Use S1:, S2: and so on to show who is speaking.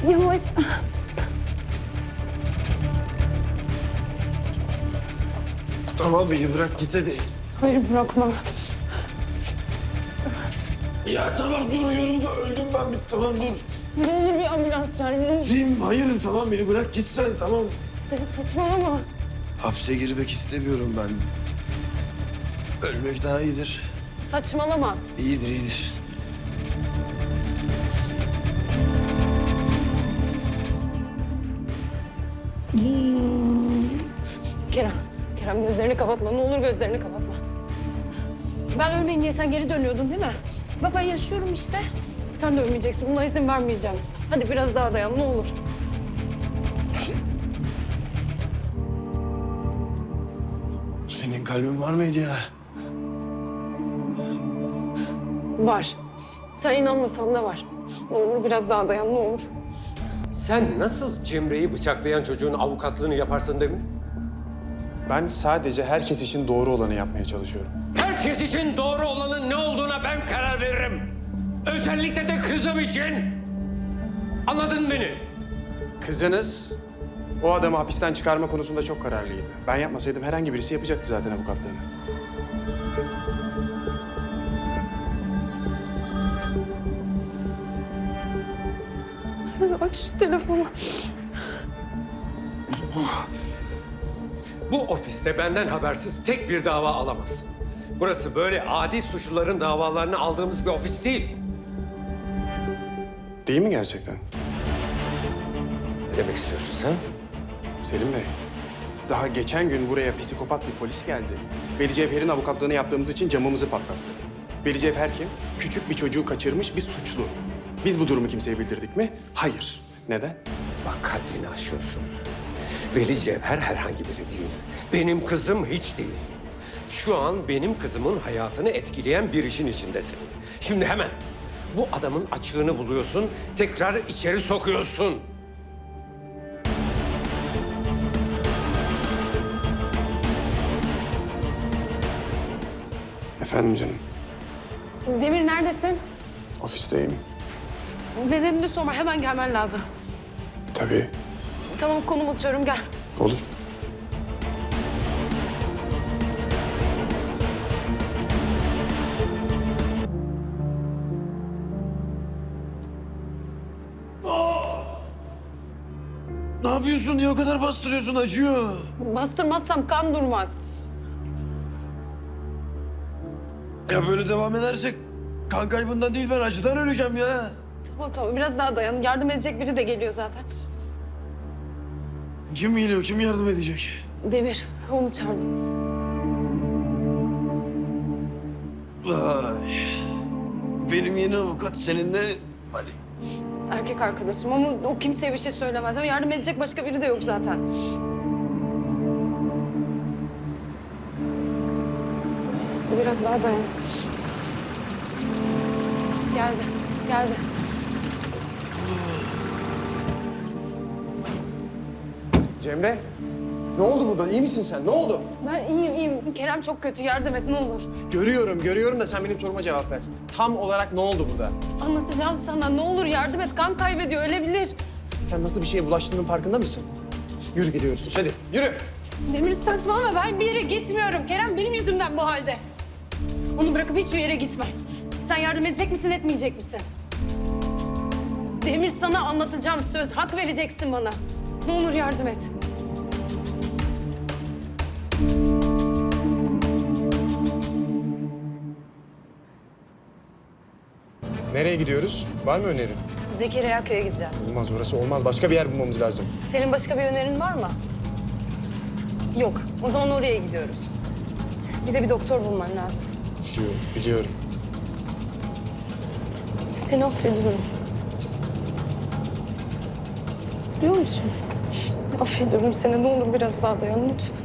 S1: Yavaş.
S2: Tamam beni bırak git hadi.
S1: Hayır bırakma.
S2: Ya tamam dur yolumda öldüm ben tamam dur.
S1: Ne olur bir ambulans çağır. Ne olur.
S2: Diyeyim hayır tamam beni bırak git sen tamam.
S1: Deniz saçmalama.
S2: Hapse girmek istemiyorum ben. Ölmek daha iyidir.
S1: Saçmalama.
S2: İyidir iyidir.
S1: Kerem gözlerini kapatma. Ne olur gözlerini kapatma. Ben ölmeyeyim diye sen geri dönüyordun değil mi? Bak ben yaşıyorum işte. Sen de ölmeyeceksin. Buna izin vermeyeceğim. Hadi biraz daha dayan ne olur.
S2: Senin kalbin var mıydı ya?
S1: Var. Sen inanmasan da var. Ne olur biraz daha dayan ne olur.
S3: Sen nasıl Cemre'yi bıçaklayan çocuğun avukatlığını yaparsın Demir?
S4: Ben sadece herkes için doğru olanı yapmaya çalışıyorum.
S3: Herkes için doğru olanın ne olduğuna ben karar veririm. Özellikle de kızım için. Anladın beni?
S4: Kızınız o adamı hapisten çıkarma konusunda çok kararlıydı. Ben yapmasaydım herhangi birisi yapacaktı zaten avukatlığını.
S1: Aç şu telefonu.
S3: Bu ofiste benden habersiz tek bir dava alamaz. Burası böyle adi suçluların davalarını aldığımız bir ofis değil.
S4: Değil mi gerçekten?
S3: Ne demek istiyorsun sen?
S4: Selim Bey, daha geçen gün buraya psikopat bir polis geldi. Veli Cevher'in avukatlığını yaptığımız için camımızı patlattı. Veli Cevher kim? Küçük bir çocuğu kaçırmış bir suçlu. Biz bu durumu kimseye bildirdik mi? Hayır. Neden?
S3: Bak haddini aşıyorsun. Veli Cevher herhangi biri değil. Benim kızım hiç değil. Şu an benim kızımın hayatını etkileyen bir işin içindesin. Şimdi hemen bu adamın açığını buluyorsun, tekrar içeri sokuyorsun.
S4: Efendim canım,
S1: Demir neredesin?
S4: ofisteyim.
S1: Nedenini sorma hemen gelmen lazım.
S4: Tabii,
S1: Tamam konum atıyorum gel.
S4: olur.
S2: Ne yapıyorsun? Niye o kadar bastırıyorsun? Acıyor.
S1: Bastırmazsam kan durmaz.
S2: Ya böyle devam edersek kan kaybından değil ben acıdan öleceğim ya.
S1: Tamam biraz daha dayan. Yardım edecek biri de geliyor zaten.
S2: Kim geliyor? Kim yardım edecek?
S1: Demir onu çağırdım.
S2: Vay. Benim yeni avukat seninle Ali.
S1: Erkek arkadaşım ama o kimseye bir şey söylemez. Ama yardım edecek başka biri de yok zaten. Biraz daha dayan. Geldi.
S4: Cemre, ne oldu burada? İyi misin sen? Ne oldu?
S1: Ben iyiyim. Kerem çok kötü. Yardım et ne olur.
S4: Görüyorum da sen benim soruma cevap ver. Tam olarak ne oldu burada?
S1: Anlatacağım sana. Ne olur yardım et. Kan kaybediyor. Ölebilir.
S4: Sen nasıl bir şeye bulaştığının farkında mısın? Yürü gidiyoruz. Hadi yürü.
S1: Demir saçmalama. Ben bir yere gitmiyorum. Kerem benim yüzümden bu halde. Onu bırakıp hiçbir yere gitme. Sen yardım edecek misin, etmeyecek misin? Demir sana anlatacağım söz. Hak vereceksin bana. Ne olur yardım et.
S4: Nereye gidiyoruz? Var mı önerin?
S1: Zekeriya Köy'e gideceğiz.
S4: Olmaz orası olmaz. Başka bir yer bulmamız lazım.
S1: Senin başka bir önerin var mı? Yok. O zaman oraya gidiyoruz. Bir de bir doktor bulman lazım.
S4: Biliyorum.
S1: Seni affediyorum. Biliyor musun? Affediyorum seni. Ne olur biraz daha dayan lütfen.